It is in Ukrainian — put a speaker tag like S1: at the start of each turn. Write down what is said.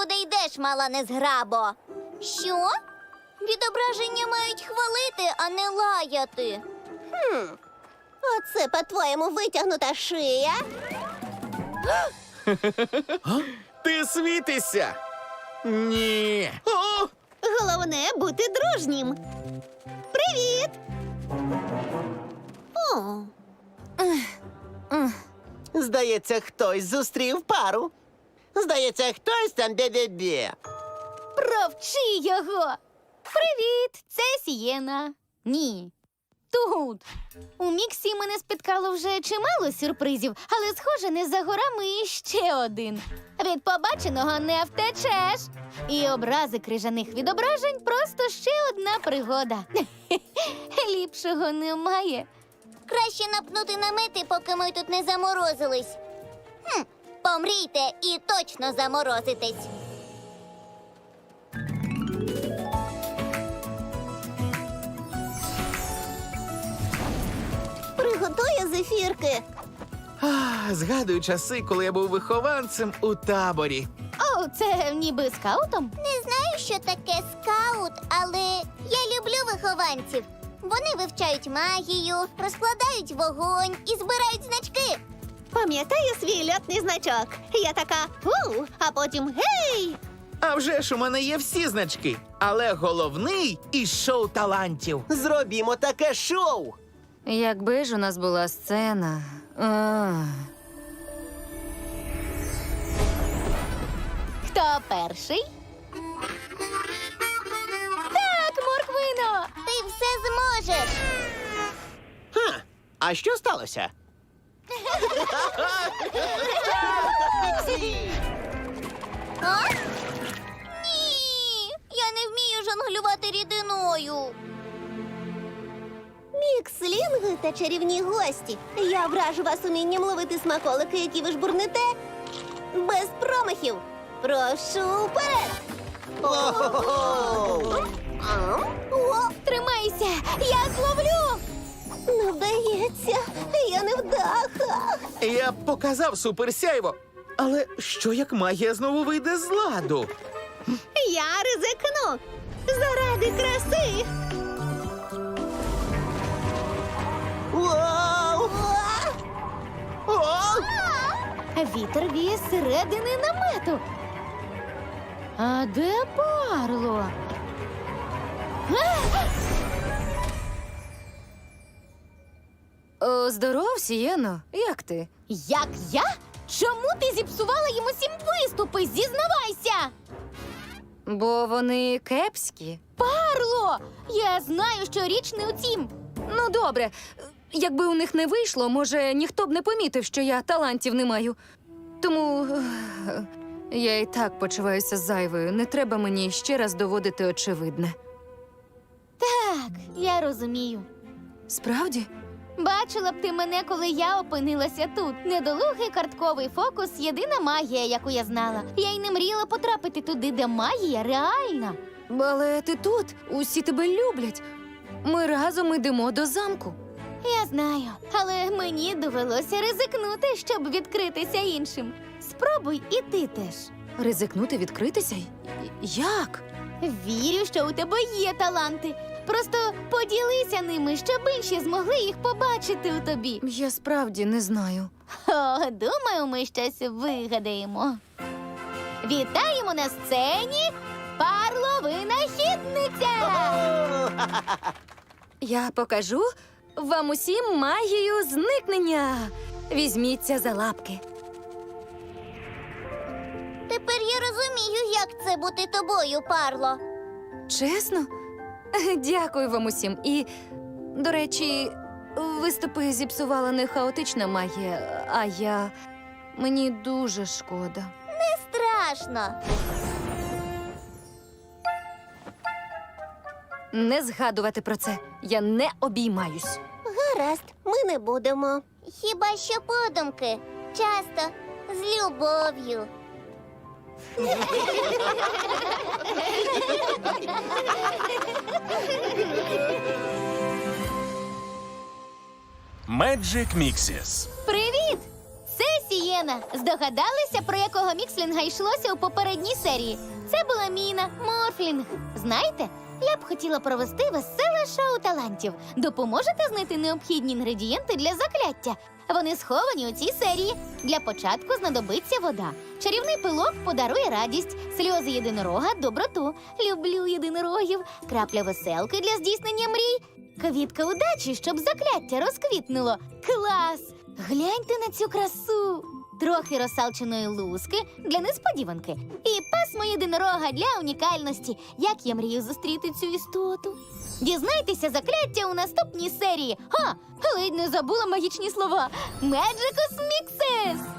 S1: куди йдеш, мала незграбо. Що? Відображення мають хвалити, а не лаяти.
S2: Оце, по-твоєму, витягнута шия?
S3: Ти світишся? Ні. О!
S2: Головне бути дружнім. Привіт! О,
S4: Здається, хтось зустрів пару. Здається, хтось там бе-бе-бе.
S1: Провчи його! Привіт, це Сієна. Ні. Тут. У Міксі мене спіткало вже чимало сюрпризів, але, схоже, не за горами іще один. Від побаченого не втечеш. І образи крижаних відображень просто ще одна пригода. Ліпшого немає. Краще напнути намети, поки ми тут не заморозились. Помрійте і точно заморозитесь.
S2: приготує зефірки.
S3: Згадую часи, коли я був вихованцем у таборі.
S1: О, це ніби скаутом? Не знаю, що таке скаут, але я люблю вихованців. Вони вивчають магію, розкладають вогонь і збирають значки.
S2: Пам'ятаю свій льотний значок. Я така «Фу», а потім «Гей!».
S3: А вже ж у мене є всі значки, але головний із шоу талантів.
S4: Зробімо таке шоу.
S5: Якби ж у нас була сцена.
S1: Хто перший? Так, морквино! Ти все зможеш!
S4: А що сталося?
S1: А? Ні! Я не вмію жонглювати рідиною.
S2: Мікслінги та чарівні гості. Я вражу вас умінням ловити смаколики, які ви жбурнете. Без промахів. Прошу вперед. О,
S1: Тримайся! Я зловлю!
S2: не вдається. Я не вдаха.
S3: Я б показав суперсяйво. Але що як магія знову вийде з ладу?
S2: Я ризикну. Заради краси.
S4: Вау! О!
S1: Вітер віє з середини намету. А де Парло?
S5: Здоров, Сієно. Як ти?
S1: Як я? Чому ти зіпсувала їм усім виступи? Зізнавайся!
S5: Бо вони кепські.
S1: Парло! Я знаю, що річ не у цім.
S5: Ну, добре. Якби у них не вийшло, може, ніхто б не помітив, що я талантів не маю. Тому я і так почуваюся зайвою. Не треба мені ще раз доводити очевидне.
S1: Так, я розумію.
S5: Справді?
S1: Бачила б ти мене, коли я опинилася тут. Недолугий картковий фокус – єдина магія, яку я знала. Я й не мріяла потрапити туди, де магія реальна.
S5: Але ти тут, усі тебе люблять. Ми разом йдемо до замку.
S1: Я знаю, але мені довелося ризикнути, щоб відкритися іншим. Спробуй і ти теж.
S5: Ризикнути відкритися? Як?
S1: Вірю, що у тебе є таланти. Просто поділися ними, щоб інші змогли їх побачити у тобі.
S5: Я справді не знаю.
S1: О, думаю, ми щось вигадаємо. Вітаємо на сцені Парло-винахідниця!
S5: Я покажу вам усім магію зникнення. Візьміться за лапки.
S1: Тепер я розумію, як це бути тобою, Парло.
S5: Чесно? Дякую вам усім. І, до речі, виступи зіпсувала не хаотична магія, а я... Мені дуже шкода.
S1: Страшно.
S5: Не згадувати про це. Я не обіймаюсь.
S2: Гаразд, ми не будемо.
S1: Хіба що подумки. Часто з любов'ю.
S6: Magic Mixes.
S1: Привіт! Це Сієна. Сієна, здогадалися, про якого мікслінга йшлося у попередній серії? Це була Міна Морфлінг. Знаєте, я б хотіла провести веселе шоу талантів. Допоможете знайти необхідні інгредієнти для закляття? Вони сховані у цій серії. Для початку знадобиться вода. Чарівний пилок подарує радість, сльози єдинорога – доброту. Люблю єдинорогів. Крапля веселки для здійснення мрій. Квітка удачі, щоб закляття розквітнуло. Клас! Гляньте на цю красу! Трохи розсалченої луски для несподіванки. І пасмо єдинорога для унікальності. Як я мрію зустріти цю істоту. Дізнайтеся закляття у наступній серії. Ледь не забула магічні слова. Magicus Mixes!